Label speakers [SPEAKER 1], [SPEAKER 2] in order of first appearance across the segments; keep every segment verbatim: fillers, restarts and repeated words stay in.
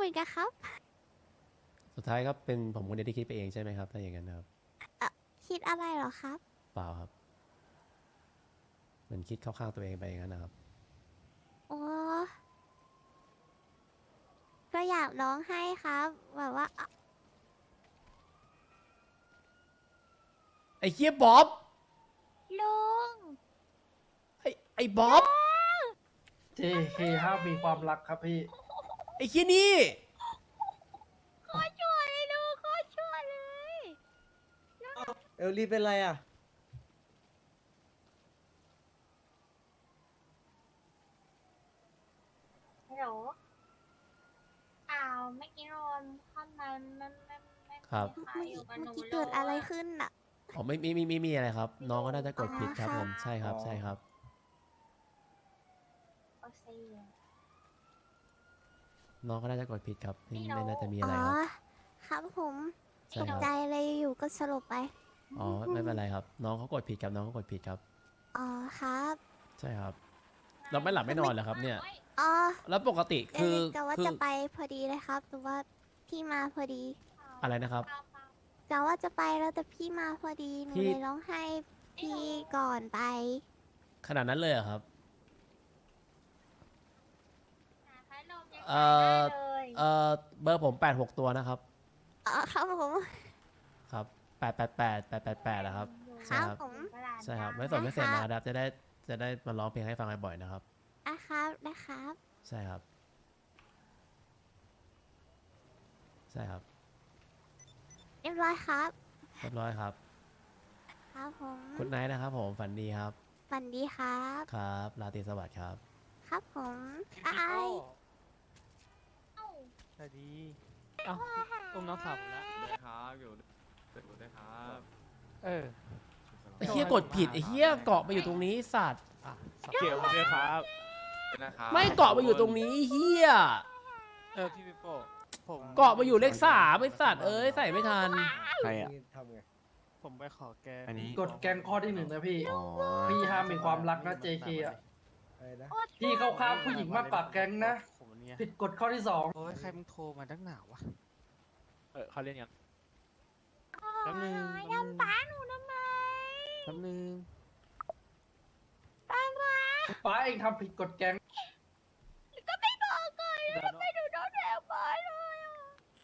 [SPEAKER 1] มือนกันครับ
[SPEAKER 2] สุดท้ายก็เป็นผมคนเดียวที่คิดไปเองใช่ไหมครับถ้าอย่างนั้นนะครับ
[SPEAKER 1] เอ่อคิดอะไรเหรอครับ
[SPEAKER 2] เปล่าครับเหมือนคิดเข้าข้างตัวเองไปอย่างนั้นนะครับ
[SPEAKER 1] โอ้ก็อยากร้องให้ครับแบบว่าอ่ะ
[SPEAKER 2] ไอ้เฮียบ๊อบ
[SPEAKER 1] ลุง
[SPEAKER 2] ไอ้ไอ้บ๊อบ
[SPEAKER 3] เจ เค ห้ามมีความรักครับพี่
[SPEAKER 2] ไอ้เฮียนี่
[SPEAKER 1] โคตรชั่วเลยลุงโคตรชั่วเลย
[SPEAKER 4] เอลลี่เป็นไรอ่ะ
[SPEAKER 5] ฮัลโหลอ้าวเมื่อกี้นอนข้างในไม่ไม่ไม่
[SPEAKER 2] ครับ
[SPEAKER 5] มีใคร
[SPEAKER 1] เมื่อ
[SPEAKER 5] อยู่
[SPEAKER 1] กี้
[SPEAKER 5] กับห
[SPEAKER 1] เมื่อ
[SPEAKER 5] นู
[SPEAKER 1] กี้
[SPEAKER 5] เล
[SPEAKER 1] เกิดอะไร
[SPEAKER 5] ย
[SPEAKER 1] ขึ้นน่ะ
[SPEAKER 2] อ๋อไม่ไม่ไม่ไม่มีอะไรครับ น้องก็น่าจะกดผิดครับ
[SPEAKER 1] อ๋อ
[SPEAKER 2] ผมใช่ครับ
[SPEAKER 4] อ๋อ
[SPEAKER 2] ใช่ครับ
[SPEAKER 5] โอเค
[SPEAKER 2] น้องก็น่าจะกดผิดครับไม่
[SPEAKER 5] ไม่รู้
[SPEAKER 2] ไม่น่าจะมี
[SPEAKER 1] อ๋
[SPEAKER 2] อะไร
[SPEAKER 1] อ
[SPEAKER 2] ครับ
[SPEAKER 1] ครับผม
[SPEAKER 2] ใช่
[SPEAKER 1] ตก
[SPEAKER 2] ครับ
[SPEAKER 1] ใจเลยอยู่ก็สลบไป
[SPEAKER 2] อ๋อไม่เป็นไรครับ น้องเขากดผิดครับน้องเขากดผิดครับ
[SPEAKER 1] อ๋อครับ
[SPEAKER 2] ใช่ครับ เราไม่หลับไม่นอนเหรอครับเนี่ย
[SPEAKER 1] อ๋อ
[SPEAKER 2] แล้วปกติ
[SPEAKER 1] เอ
[SPEAKER 2] คือ
[SPEAKER 1] ลิกะว่า
[SPEAKER 2] คื
[SPEAKER 1] จะ
[SPEAKER 2] อ
[SPEAKER 1] ไปพอดีเลยครับแต่ว่าพี่มาพอดี
[SPEAKER 2] อะไรนะครับ
[SPEAKER 1] กะว่าจะไปแล้วแต่พี่มาพอดีหนู
[SPEAKER 2] พี่
[SPEAKER 1] เลยร้องให้พี่ก่อนไป
[SPEAKER 2] ขนาดนั้นเลยเหรอครับ
[SPEAKER 5] หาพัดลมยัง
[SPEAKER 2] เอ่อ
[SPEAKER 5] หาได้เลย
[SPEAKER 2] เอ่อเบอร์ผมแปดหกตัวนะครับ
[SPEAKER 1] อ๋อครับผม
[SPEAKER 2] ครับแปดแปดแปดแปดแปดแปดนะครับ
[SPEAKER 1] ค
[SPEAKER 2] ใช่
[SPEAKER 1] รับ
[SPEAKER 2] ครับ
[SPEAKER 1] ผม
[SPEAKER 5] ตลาด
[SPEAKER 2] ใช่ครับ
[SPEAKER 5] นัด
[SPEAKER 2] ไม่สนไม่เสร็จนะครับจะได้จะได้มาร้องเพลงให้ฟังบ่อยๆนะครับ
[SPEAKER 1] อ่ะครับนะครับ
[SPEAKER 2] ใช่ครับ ใช่ครับ
[SPEAKER 1] เรียบร้อยครับ
[SPEAKER 2] เรียบร้อยครับ
[SPEAKER 1] ครับผม
[SPEAKER 2] คุณไนท์นะครับผมฝันดีครับ
[SPEAKER 1] ฝันดีครับ
[SPEAKER 2] ครับราตรีสวัสดิ์ครับ
[SPEAKER 1] ครับผมอ้าย
[SPEAKER 5] เอ้า
[SPEAKER 6] สวัสดีเอ้าอุ้มน้องสาวผมแล้ว
[SPEAKER 7] ด้วยครับอยู่ด้วยด้วยครับ
[SPEAKER 6] เออ
[SPEAKER 2] ไอ้เหี้ยกดผิดไอ้เหี้ยเกาะมาอยู่ตรงนี้สัตว์
[SPEAKER 6] อ่ะสองเกี่ยวด้วยครับ
[SPEAKER 7] ด้วยนะครับ
[SPEAKER 2] ไม่เกาะมาอยู่ตรงนี้เหี้ย
[SPEAKER 6] เออ พี่ปิโป้ผม
[SPEAKER 2] เกาะมาอยู่เลขสามไอ้สัตว์เอ้ยใส่ไม่ทัน
[SPEAKER 8] ใครอ่ะ
[SPEAKER 4] นี่ทำไง
[SPEAKER 6] ผมไปขอแก
[SPEAKER 8] อันนี้
[SPEAKER 3] กฎแกงข้อที่หนึ่งนะพี่
[SPEAKER 8] อ๋อ
[SPEAKER 3] พี่ห้ามมีความรักนะ เจ เค อ่ะ
[SPEAKER 4] อะไรนะ
[SPEAKER 3] พี่เข้าข้างผู้หญิงมากกว่าแก๊งนะ
[SPEAKER 6] ผมเนี่ย
[SPEAKER 3] ผิดกฎข้อที่สอง
[SPEAKER 6] โอ้ยใครมึงโทรมาตั้งหนาวะ
[SPEAKER 7] เออเขาเล่นกัน
[SPEAKER 6] แป๊บนึง
[SPEAKER 1] ยำป้าหนูทำไม
[SPEAKER 6] แป๊บนึง
[SPEAKER 1] ป้าป้า
[SPEAKER 3] ป้าเองทำผิดกฎแกง
[SPEAKER 1] ก็ไม่บอกก่อน
[SPEAKER 6] เดี๋ยว
[SPEAKER 1] ทำไมหนูโดนแทงป้าเลยอ่ะ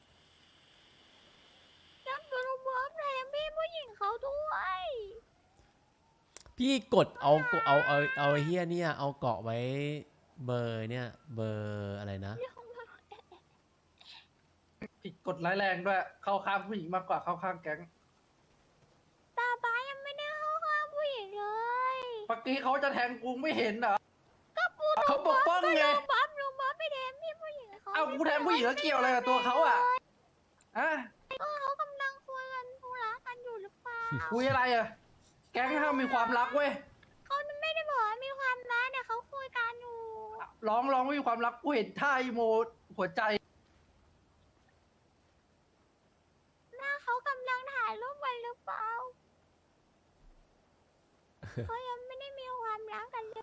[SPEAKER 1] จำตัวรวมแทงพี่ผู้หญิงเขาด้วย
[SPEAKER 2] พี่กดเอาเอาเอาเอาไอ้เหี้ยเนี่ยเอาเกาะไว้เบอร์เนี่ยเบอร์อะไรนะ
[SPEAKER 3] ผิดกฎร้ายแรงด้วย เข้าข้างผู้หญิงมากกว่าเข้าข้างแก๊ง
[SPEAKER 1] ตาป้ายังไม่ได้เข้าข้างผู้หญิงเลย
[SPEAKER 3] เมื่อกี้เขาจะแทงกูไม่เห็นเหรอ
[SPEAKER 1] ก็ปู
[SPEAKER 3] เขาปกป้องไง
[SPEAKER 1] ลุงบ๊อบลุงบ๊อบไปแทงพี่ผู้หญิงเขา
[SPEAKER 3] เอากูแทงผู้หญิงแล้วเกี่ยวอะไรกับตัวเขาอ่ะอะ
[SPEAKER 1] ก็เขากำลังคุยกันธุระกันอยู่หรือเปล่า
[SPEAKER 3] คุยอะไรอ่ะ แก๊งห้ามมีความรักเว้ย
[SPEAKER 1] เขาไม่ได้บอกว่ามีความรักเนี่ยเขาคุยกันอยู่
[SPEAKER 3] ร้องร้องไม่มีความรักกูเห็นท่าอีโมหัวใจ
[SPEAKER 1] หน้าเขากำลังถ่ายรูปไว้หรือเปล่า เขายังไม่ได้มีความรักกันเลย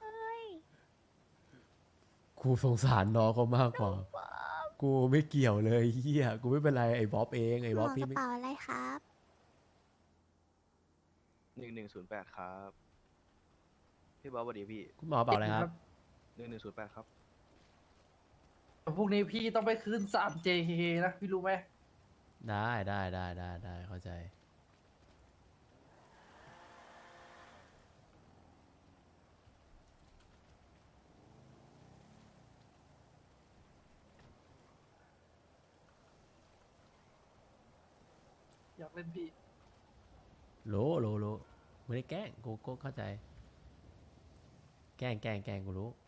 [SPEAKER 2] กูสงสารน้องเขามากกว่า
[SPEAKER 1] บ๊อบ
[SPEAKER 2] กูไม่เกี่ยวเลยเหี้ยกูไม่เป็นไรไอ้บ๊อบเองไอ้
[SPEAKER 1] หม
[SPEAKER 2] บ๊อบ
[SPEAKER 1] อก
[SPEAKER 2] พี่
[SPEAKER 1] ระ
[SPEAKER 2] ไม่
[SPEAKER 1] เป๋าอะไรครับ
[SPEAKER 7] หนึ่งหนึ่งศูนย์แปดครับพี่บอสสวัสดีพี่
[SPEAKER 2] คุณหมอเปล่าอะไรครับ
[SPEAKER 7] หนึ่งหนึ่งศูนย์แปดครับ
[SPEAKER 3] พวกนี้พี่ต้องไปคืนสาม เจ เค นะ พี่รู้ไหม
[SPEAKER 2] ได้ได้ได้ได้ได้เข้าใจ
[SPEAKER 3] อยากเล่นพี่
[SPEAKER 2] โลโลโลไม่ได้แกล้งกูก็เข้าใจ แกล้งแกล้งแกล้งกูรู้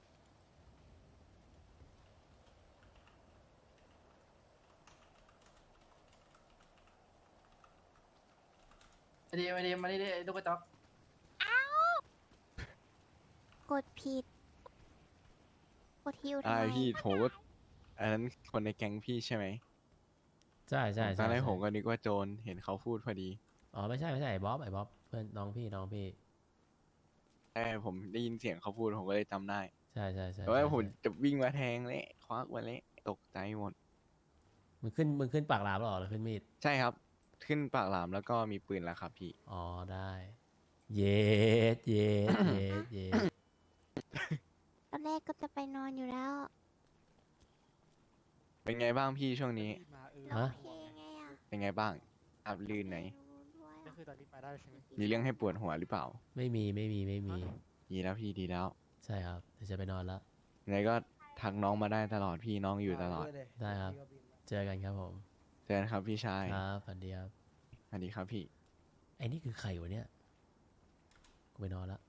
[SPEAKER 3] ไอเดียไอเดียมาดิไอ้ลูกกระจอก
[SPEAKER 1] กดผิด กดฮิวทำ
[SPEAKER 8] อะไร
[SPEAKER 1] ไม
[SPEAKER 8] พี่ผมก็อันนั้นคนในแก๊งพี่ใช่ไหม
[SPEAKER 2] ใช่ใช่
[SPEAKER 8] ตอ
[SPEAKER 2] ใช่
[SPEAKER 8] นแรก
[SPEAKER 2] ใช่
[SPEAKER 8] ผมก็นึกว่าโจรเห็นเขาพูดพอดี
[SPEAKER 2] อ๋อไม่ใช่ไม่ใช่ไอ้บ๊อบไอ้บ๊อบเพื่อนน้องพี่น้องพี่
[SPEAKER 8] แต่ผมได้ยินเสียงเขาพูดผมก็เลยจำได้
[SPEAKER 2] ใช่ใช่ใช่
[SPEAKER 8] แต่ว่า
[SPEAKER 2] ใช่
[SPEAKER 8] ผม
[SPEAKER 2] ใช่
[SPEAKER 8] จะวิ่งมาแทงเลยควักมาเลยตกใจหมด
[SPEAKER 2] มึงขึ้นมึงขึ้นปากหลามแล้วเหรอหรือขึ้นมีด
[SPEAKER 8] ใช่ครับ ขึ้นปากหลามแล้วก็มีปืนแล้วครับพี่
[SPEAKER 2] อ๋อได้ เย็ดเย็ดเย็ดเย็ด
[SPEAKER 1] ตอนแรกก็จะไปนอนอยู่แล้ว
[SPEAKER 8] เป็นไงบ้างพี่ช่วงนี้
[SPEAKER 6] มาเออ
[SPEAKER 1] ร้องเพลงไงอ่ะ
[SPEAKER 8] เป็นไงบ้างอับลื่นไหน
[SPEAKER 1] ไม่รู้ด้วย
[SPEAKER 6] ก็
[SPEAKER 1] อะ
[SPEAKER 6] คือตอนนี้มาได้ใช่ไหม
[SPEAKER 8] มีเรื่องให้ปวดหัวหรือเปล่า
[SPEAKER 2] ไม่มีไม่มีไม่มี
[SPEAKER 8] ดีแล้วพี่ดีแล้ว
[SPEAKER 2] ใช่ครับเดี๋ยวจะไปนอนแล้ว
[SPEAKER 8] ยังไงก็ทักน้องมาได้ตลอดพี่น้องอยู่ตลอด
[SPEAKER 2] ได้ครับ เจอกันครับผม
[SPEAKER 8] เจอกันครับพี่ชาย
[SPEAKER 2] ครับฝันดีครับ
[SPEAKER 8] สวัสดีครับพี่
[SPEAKER 2] ไอ้นี่คือใครวะเนี่ย กูไปนอนละ